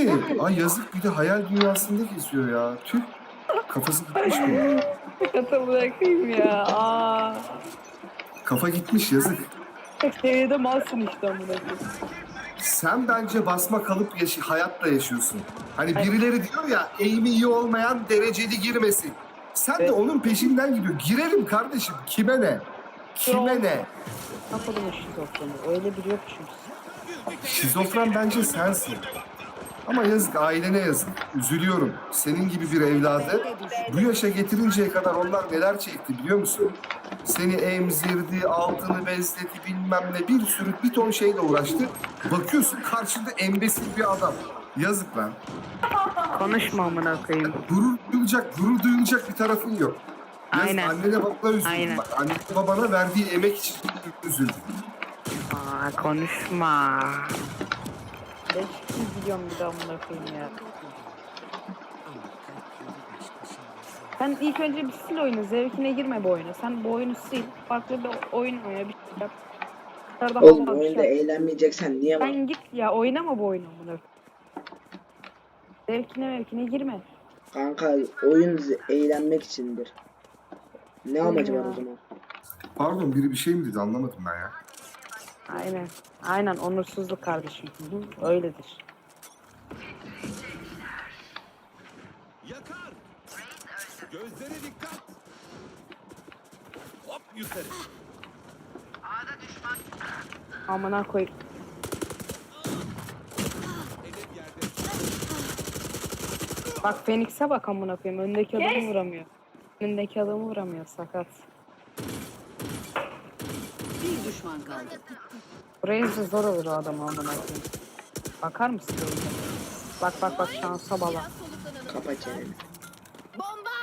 mi? Ay yazık, bir de hayal dünyasında geziyor ya. Tüh. Kafası gitmiş mi? Kata bırakayım ya. Aa. Kafa gitmiş, yazık. Tek seviyede malsın işte amına koyayım. Sen bence basma kalıp hayatla yaşıyorsun. Hani birileri diyor ya, eğimi iyi olmayan dereceli girmesin. Sen de Evet. onun peşinden gidiyor. Girelim kardeşim. Kime ne? Kime ne? Kapadım o şizofreni. Öyle biri yok çünkü. Şizofren bence sensin. Ama yazık, ailene yazık. Üzülüyorum. Senin gibi bir evladı bu yaşa getirinceye kadar onlar neler çekti biliyor musun? Seni emzirdi, altını bezledi, bilmem ne, bir ton şeyle uğraştı. Bakıyorsun karşında embesil bir adam. Yazık lan. Konuşma amına koyayım. Gurur duyulacak bir tarafın yok. Yazık, Aynen. annene babana üzüldüm. Aynen. Bak, annene babana verdiği emek için üzüldüm. Aa, konuşma. 500 milyon bir daha amına koyayım ya. Sen ilk önce bir sil oyunu. Zevkine girme bu oyuna. Sen bu oyunu sil. Farklı bir oyun oyna. Bir şey yap. Dışarıda Oğlum hava bir oyunda şey yap. eğlenmeyeceksen niye var? Sen git ya, oynama bu oyunu amına koyayım. Zevkine girme. Kanka oyun eğlenmek içindir. Ne amacı var Ya. o zaman? Pardon, biri bir şey mi dedi, anlamadım ben ya. Aynen. Aynen, onursuzluk kardeşim. Hı, öyledir. Yakar. Gözlere dikkat. Hop yukarı. Amına koy. Hedef yerde. Bak Phoenix'e bak amına koyayım. Öndeki adamı vuramıyor. Önündeki adamı vuramıyor, sakat. Bir düşman kaldı. Buraya da zor olur o adamı amına koyayım. Bakar mısın böyle? Bak şansa bala. Kapa çeneni. Bomba!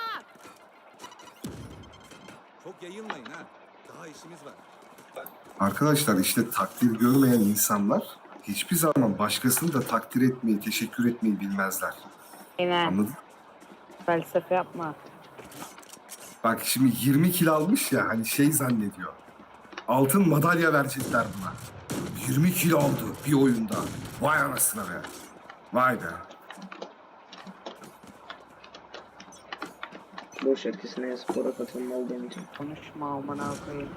Çok yayılmayın ha. Daha işimiz var. Arkadaşlar işte takdir görmeyen insanlar hiçbir zaman başkasını da takdir etmeyi, teşekkür etmeyi bilmezler. Aynen. Anladın? Felsefe yapma. Bak şimdi 20 kilo almış ya, hani şey zannediyor. Altın madalya verecekler buna. 20 kilo aldı bir oyunda. Vay anasına be. Vay be. Boş etkisine spora katılmalı demeyeceğim. Konuşma amına koyayım.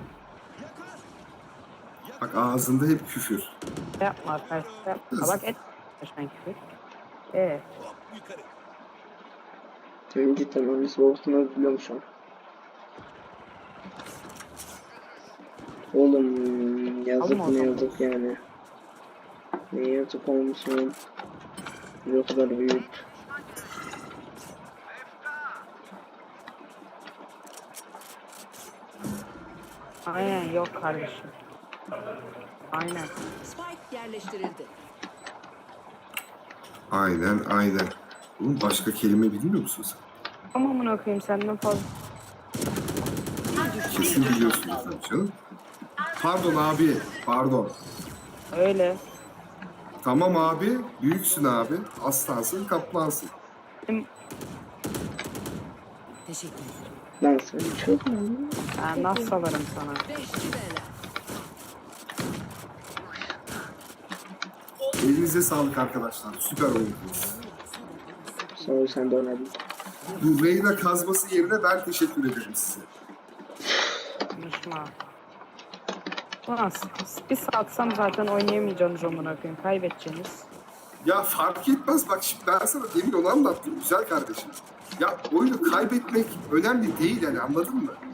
Bak ağzında hep küfür. Yapma felsefe yapma. Bak et. Sen küfür. Hop yukarı. Senin cidden annesi babasını biliyorum şu an. Oğlum yazık Alma o ne zaman. yazık yani. Ne yazık olmuşsun. Bir o kadar büyük. Aynen, yok kardeşim. Aynen. Spike yerleştirildi. Aynen. Oğlum başka kelime bilmiyor musun sen? Ama amına koyayım senden fazla. Kesin biliyorsunuz tabii canım. Pardon abi. Pardon. Öyle. Tamam abi. Büyüksün abi. Aslansın, kaplansın. Benim, Teşekkür ederim. Lan sen çok mu? ben nasıl salarım sana? Beşli bela. Elinize sağlık arkadaşlar. Süper oynadınız. Sağ ol sen de oynadın. Bu Reyna kazması yerine ben teşekkür ederim size. Konuşma. Ulan bir satsam zaten oynayamayacaksınız amına koyayım. Kaybedeceksiniz. Ya fark etmez, bak şimdi ben sana demin onu anlattım güzel kardeşim. Ya oyunu kaybetmek önemli değil yani, anladın mı?